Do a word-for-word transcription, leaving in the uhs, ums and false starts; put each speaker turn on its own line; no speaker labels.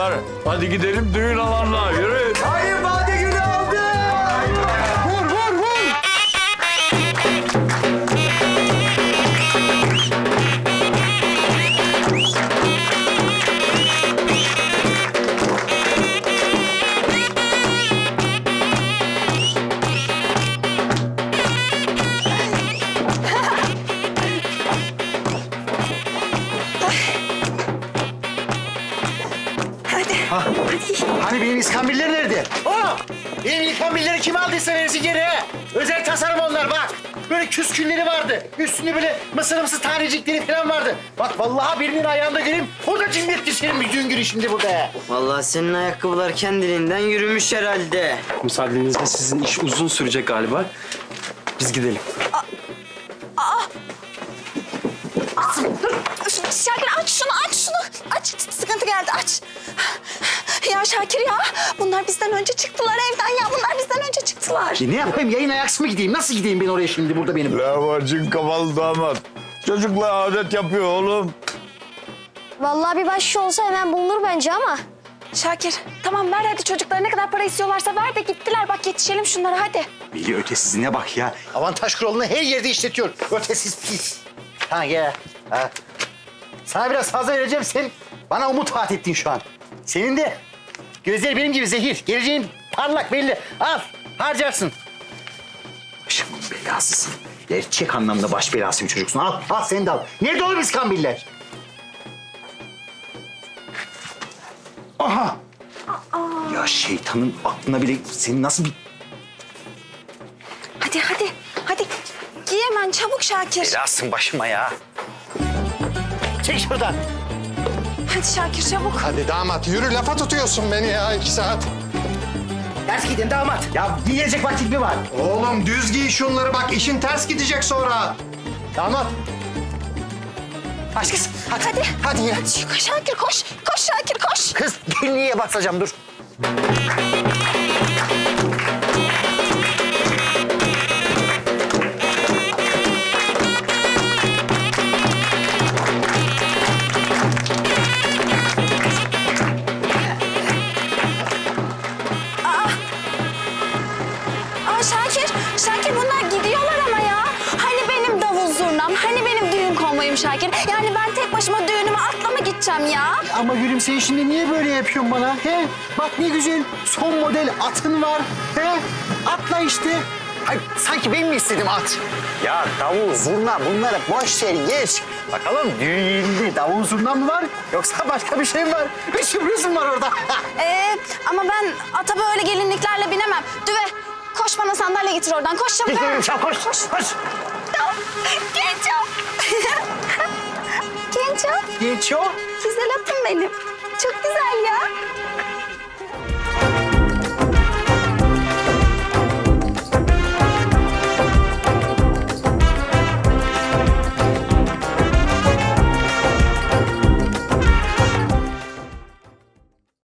çocuklar. Hadi gidelim düğün alanına. Yürü.
Hayır, Bade günü aldı. Vur, vur, vur.
Hadi.
Ha, hani benim iskambiller nerede?
Aa! Benim ikambilleri kim aldıysa verisi geri he. Özel tasarım onlar bak. Böyle küskünleri vardı. Üstünde böyle mısır mısır tanecikleri falan vardı. Bak vallahi birinin ayağında göreyim. Orada cimriyetti senin bir düğün günü şimdi burada he.
Vallahi senin ayakkabılar kendiliğinden yürümüş herhalde.
Müsaadenizle sizin iş uzun sürecek galiba. Biz gidelim.
Şakir aç şunu, aç şunu. Aç, sıkıntı geldi, aç. Ya Şakir ya, bunlar bizden önce çıktılar evden ya. Bunlar bizden önce çıktılar.
E ne yapayım yayın ayaksız mı gideyim? Nasıl gideyim ben oraya şimdi burada benim?
Lavacın kafalı damat. Çocuklar adet yapıyor oğlum.
Vallahi bir başka olsa hemen bulunur bence ama.
Şakir, tamam ver hadi çocuklara ne kadar para istiyorlarsa ver de gittiler. Bak yetişelim şunlara hadi.
Veli ötesizine bak ya.
Avantaj kuralını her yerde işletiyor. Ötesiz pis. Ha gel. Ha. Sana biraz fazla vereceğim sen. Bana umut vaat ettin şu an. Senin de gözleri benim gibi zehir. Geleceğin parlak belli. Al harcarsın.
Başımın belasısın. Gerçek anlamda baş belası bir çocuksun. Al, al sen de al. Nerede oğlum iskambiller? Aha! Ya şeytanın aklına bile senin nasıl bir...
Hadi hadi, hadi. Giy hemen çabuk Şakir.
Belasın başıma ya.
Çek şuradan.
Hadi Şakir çabuk.
Hadi damat yürü, lafa tutuyorsun beni ya iki saat.
Ders gidin damat.
Ya giyecek vakit mi var?
Oğlum düz giy şunları bak, işin ters gidecek sonra.
Damat.
Aç kız, hadi.
Hadi.
Hadi ya.
Hadi Şakir koş. Koş Şakir koş.
Kız, gelinliğe basacağım dur.
Aa Şakir, Şakir bunlar gidiyorlar ama ya. Hani benim davul zurnam, hani benim düğün konvoyum Şakir. Yani ben tek başıma düğünüme atla mı gideceğim ya?
Ama gülüm sen şimdi niye böyle yapıyorsun bana? He? Bak ne güzel son model atın var. He? Atla işte.
Ay, sanki ben mi istedim at? Ya davul, zurna bunları boş ver geç. Bakalım düğünde davul zurna mı var yoksa başka bir şey mi var? Bir sürprizim var orada.
Ee, ama ben ata böyle gelinliklerle binemem. Düve, koş bana sandalye getir oradan. Koş çabuk.
Gidelim çabuk koş koş koş.
Genco. Genco,
Geç o.
güzel atım benim. Çok güzel ya.